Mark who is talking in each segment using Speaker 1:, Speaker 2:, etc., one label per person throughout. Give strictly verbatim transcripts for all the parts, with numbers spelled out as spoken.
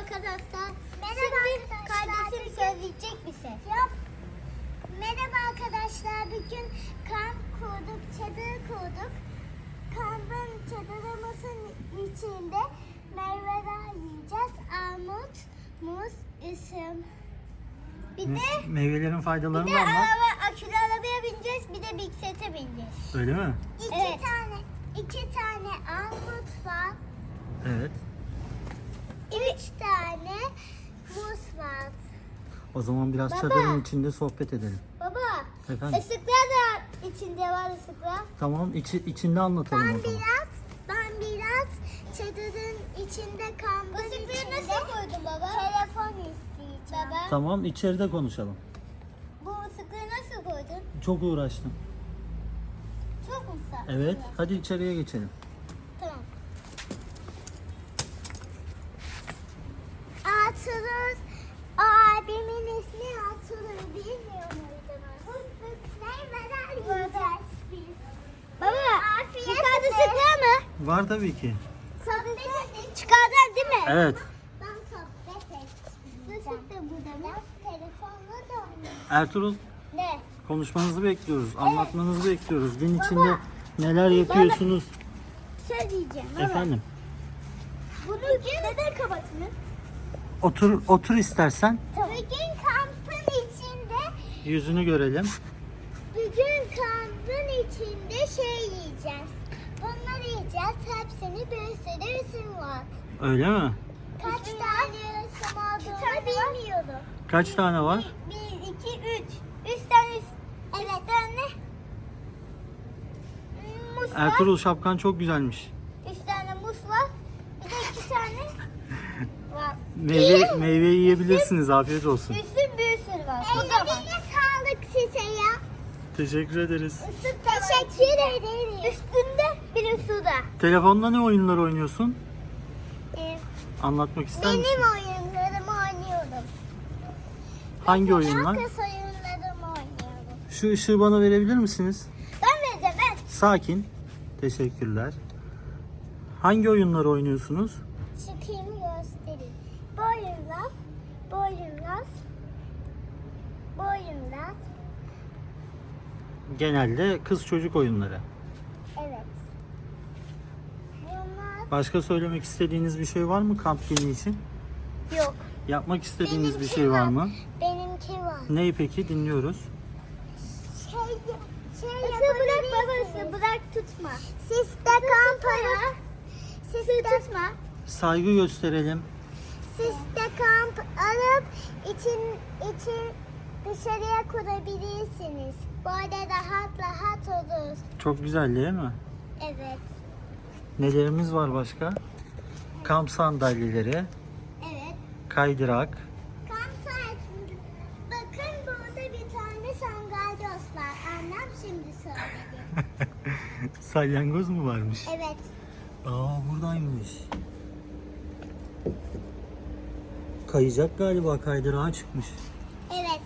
Speaker 1: arkadaşlar.
Speaker 2: Merhaba
Speaker 1: Şimdi
Speaker 2: arkadaşlar.
Speaker 1: kardeşim söyleyecek bir şey.
Speaker 2: Yok. Merhaba arkadaşlar. Bugün kamp kurduk, çadır kurduk. Kampın çadırımızın içinde meyveler yiyeceğiz. Armut, muz, üzüm. Bir de
Speaker 3: Me- meyvelerin faydaları
Speaker 1: bir de
Speaker 3: var mı?
Speaker 1: araba, akülü arabaya bineceğiz, bir de bisiklete bineceğiz.
Speaker 3: Öyle mi?
Speaker 2: iki
Speaker 1: Evet.
Speaker 2: tane iki tane armut var.
Speaker 3: Evet.
Speaker 2: Üç tane muz var.
Speaker 3: O zaman biraz
Speaker 1: Baba.
Speaker 3: çadırın içinde sohbet edelim.
Speaker 1: Baba,
Speaker 3: Efendim?
Speaker 1: ısıklar da içinde var ısıklar.
Speaker 3: Tamam, içi, içinde anlatalım
Speaker 2: Ben
Speaker 3: o zaman.
Speaker 2: biraz ben biraz çadırın içinde kampın
Speaker 1: Isıkları
Speaker 2: içinde
Speaker 1: nasıl koydun baba?
Speaker 2: telefon isteyeceğim.
Speaker 1: Baba,
Speaker 3: Tamam, içeride konuşalım.
Speaker 1: bu ısıkları nasıl koydun?
Speaker 3: Çok uğraştım.
Speaker 1: Çok mu sağ?
Speaker 3: Evet, hadi içeriye geçelim.
Speaker 1: Tamam.
Speaker 2: Atılır. O abimin ismi Atılır. Bilmiyor muydunuz? Meyveler yiyeceğiz biz.
Speaker 1: Baba,
Speaker 2: Afiyet
Speaker 1: yukarıda
Speaker 2: olsun.
Speaker 1: ısıklar mı?
Speaker 3: Var tabii ki.
Speaker 2: Sohbet edin.
Speaker 1: Çıkardın değil mi?
Speaker 3: Evet.
Speaker 2: Ben sohbet edeceğim. Nasıl da burada? Biraz telefonla da oynayayım.
Speaker 3: Ertuğrul,
Speaker 1: Ne?
Speaker 3: konuşmanızı bekliyoruz. Anlatmanızı bekliyoruz. Gün içinde neler yapıyorsunuz?
Speaker 1: Söyleyeceğim baba.
Speaker 3: Efendim,
Speaker 1: Bunu neden kapatın?
Speaker 3: otur otur istersen.
Speaker 2: Bugün kampın içinde
Speaker 3: Yüzünü görelim.
Speaker 2: Bugün kampın içinde şey yiyeceğiz. Bunları yiyeceğiz. Hepsini bir sürü isim var.
Speaker 3: Öyle mi?
Speaker 2: Kaç tane isim olduğunu bilmiyorum.
Speaker 3: Kaç tane var?
Speaker 1: Bir, iki, üç. Üç tane, üç,
Speaker 2: Evet.
Speaker 1: üç tane muz var.
Speaker 3: Ertuğrul, şapkan çok güzelmiş.
Speaker 1: Üç tane muz var. Bir de iki tane var.
Speaker 3: Meyve meyve yiyebilirsiniz. Afiyet olsun.
Speaker 1: Üstün bir sürü var. Bu da var.
Speaker 2: Ellerine sağlık size ya.
Speaker 3: Teşekkür ederiz.
Speaker 1: Üstün de var.
Speaker 2: Teşekkür ederim.
Speaker 1: Üstünde bir de suda.
Speaker 3: Telefonda ne oyunlar oynuyorsun?
Speaker 1: Ee,
Speaker 3: Anlatmak ister
Speaker 2: Benim
Speaker 3: misin?
Speaker 2: oyunlarımı oynuyorum.
Speaker 3: Hangi
Speaker 2: Mesela
Speaker 3: oyunlar?
Speaker 2: kız oyunlarımı oynuyorum.
Speaker 3: Şu ışığı bana verebilir misiniz?
Speaker 1: ben vereceğim ben.
Speaker 3: Sakin. Teşekkürler. Hangi oyunları oynuyorsunuz?
Speaker 2: Çıkayım göstereyim. Boyunlar, boyunlar, boyunlar.
Speaker 3: Genelde kız çocuk oyunları.
Speaker 2: Evet. Bunlar
Speaker 3: Başka söylemek istediğiniz bir şey var mı kamp günü için?
Speaker 2: yok.
Speaker 3: Yapmak istediğiniz bir
Speaker 2: Benimki
Speaker 3: şey var
Speaker 2: var.
Speaker 3: mı?
Speaker 2: Benimki var.
Speaker 3: Neyi peki? Dinliyoruz.
Speaker 2: Şey, şey
Speaker 1: Isı bırak baba,
Speaker 2: yapabilirsiniz.
Speaker 1: ısı bırak tutma.
Speaker 2: Siz de kamp alıp, siz de,
Speaker 1: Tutma.
Speaker 3: Saygı gösterelim.
Speaker 2: siz de kamp alıp için, için dışarıya kurabilirsiniz. Böyle rahat rahat olur.
Speaker 3: Çok güzel değil mi?
Speaker 2: Evet.
Speaker 3: Nelerimiz var başka? Kamp sandalyeleri,
Speaker 2: Evet.
Speaker 3: kaydırak.
Speaker 2: Kamp saatinde. Bakın burada bir tane sandalye var. Annem şimdi söyledi.
Speaker 3: Salyangoz mu varmış?
Speaker 2: Evet.
Speaker 3: Aa, buradaymış. Kayacak galiba, kaydırağa çıkmış.
Speaker 2: Evet.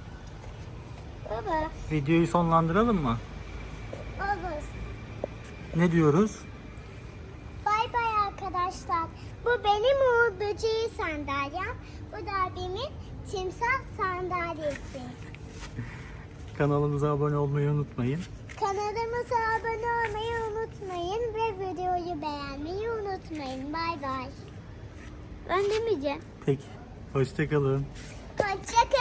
Speaker 1: Baba.
Speaker 3: Videoyu sonlandıralım mı?
Speaker 2: Olur.
Speaker 3: Ne diyoruz?
Speaker 2: Bay bay arkadaşlar. Bu benim Uğur Böceği sandalyem. Bu da abimin timsah sandalyesi.
Speaker 3: Kanalımıza abone olmayı unutmayın.
Speaker 2: Kanalımıza abone olmayı unutmayın ve videoyu beğenmeyi unutmayın. Bay bay.
Speaker 1: Ben demeyeceğim.
Speaker 3: Peki. Hoşçakalın.
Speaker 2: Hoşçakalın.